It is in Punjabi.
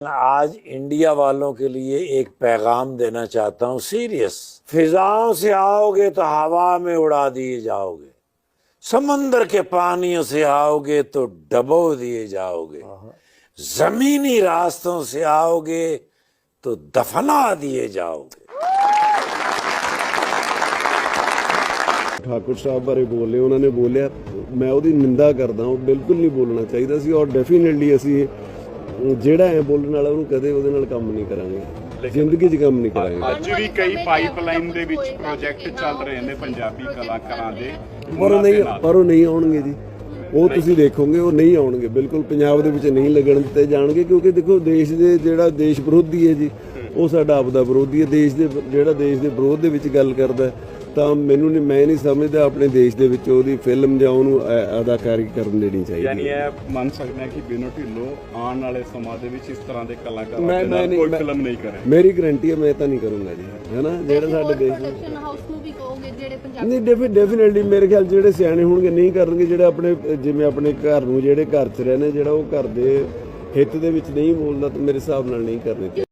आज इंडिया वालों के लिए एक पैगाम देना चाहता हूं सीरियस। फिजाओं से आओगे तो हवा में उड़ा दिए जाओगे, समंदर के पानियों से आओगे तो डबो दिए जाओगे, जमीनी रास्तों से आओगे तो दफना दिए जाओगे। ठाकुर साहब बारे बोले, उन्होंने बोलिया, मैं ਉਹਦੀ ਨਿੰਦਾ ਕਰਦਾ ਹਾਂ। ਬਿਲਕੁਲ ਨਹੀਂ ਬੋਲਣਾ ਚਾਹੀਦਾ ਸੀ ਔਰ ਡੈਫੀਨਿਟਲੀ ਅਸੀਂ ਜਿਹੜਾ ਹੈ ਬੋਲਣ ਵਾਲਾ ਉਹਨੂੰ ਕਦੇ ਉਹਦੇ ਨਾਲ ਕੰਮ ਨਹੀਂ ਕਰਾਂਗੇ, ਜ਼ਿੰਦਗੀ 'ਚ ਕੰਮ ਨਹੀਂ ਕਰਾਂਗੇ। ਅੱਜ ਵੀ ਕਈ ਪਾਈਪਲਾਈਨ ਦੇ ਵਿੱਚ ਪ੍ਰੋਜੈਕਟ ਚੱਲ ਰਹੇ ਨੇ ਪੰਜਾਬੀ ਕਲਾਕਾਰਾਂ ਦੇ, ਪਰ ਉਹ ਨਹੀਂ ਆਉਣਗੇ ਜੀ, ਉਹ ਤੁਸੀਂ ਦੇਖੋਗੇ ਉਹ ਨਹੀਂ ਆਉਣਗੇ, ਬਿਲਕੁਲ ਪੰਜਾਬ ਦੇ ਵਿੱਚ ਨਹੀਂ ਲੱਗਣ ਦਿੱਤੇ ਜਾਣਗੇ। ਕਿਉਂਕਿ ਦੇਖੋ ਦੇਸ਼ ਦੇ ਜਿਹੜਾ ਦੇਸ਼ ਵਿਰੋਧੀ ਹੈ ਜੀ, ਉਹ ਸਾਡਾ ਆਪਦਾ ਵਿਰੋਧੀ ਹੈ। ਦੇਸ਼ ਦੇ ਜਿਹੜਾ ਦੇਸ਼ ਦੇ ਵਿਰੋਧ ਦੇ ਵਿੱਚ ਗੱਲ ਕਰਦਾ ਤਾਂ ਮੈਂ ਨਹੀਂ ਸਮਝਦਾ ਆਪਣੇ ਦੇਸ਼ ਦੇ ਵਿੱਚ ਉਹਦੀ ਫਿਲਮ ਜਾਂ ਉਹਨੂੰ ਅਦਾਕਾਰੀ ਕਰਨ ਦੇਣੀ ਚਾਹੀਦੀ। ਯਾਨੀ ਇਹ ਮੰਨ ਸਕਦੇ ਹਾਂ ਕਿ ਬਿਨੋ ਢਿੱਲੋਂ ਆਉਣ ਵਾਲੇ ਸਮਾਂ ਦੇ ਵਿੱਚ ਇਸ ਤਰ੍ਹਾਂ ਦੇ ਕਲਾਕਾਰਾਂ ਦੇ ਨਾਲ ਕੋਈ ਫਿਲਮ ਨਹੀਂ ਕਰੇ। ਮੇਰੀ ਗਰੰਟੀ ਹੈ ਮੈਂ ਤਾਂ ਨਹੀਂ ਕਰੂੰਗਾ ਜੀ, ਹੈ ਨਾ। ਜਿਹੜਾ ਸਾਡੇ ਦੇਸ਼ ਪ੍ਰੋਡਕਸ਼ਨ ਹਾਊਸ ਨੂੰ ਵੀ ਕਹੋਗੇ ਜਿਹੜੇ ਪੰਜਾਬ ਨਹੀਂ, ਡੈਫੀਨਿਟਲੀ ਮੇਰੇ ਖਿਆਲ ਜਿਹੜੇ ਸਿਆਣੇ ਹੋਣਗੇ ਨਹੀਂ ਕਰਨਗੇ। ਜਿਹੜਾ ਆਪਣੇ ਜਿਵੇਂ ਆਪਣੇ ਘਰ ਨੂੰ ਜਿਹੜੇ ਘਰ 'ਚ ਰਹਿੰਦੇ, ਜਿਹੜਾ ਉਹ ਘਰ ਦੇ ਹਿੱਤ ਦੇ ਵਿੱਚ ਨਹੀਂ ਬੋਲਦਾ ਤਾਂ ਮੇਰੇ ਹਿਸਾਬ ਨਾਲ ਨਹੀਂ ਕਰਨੇ ਚਾਹੀਦੇ।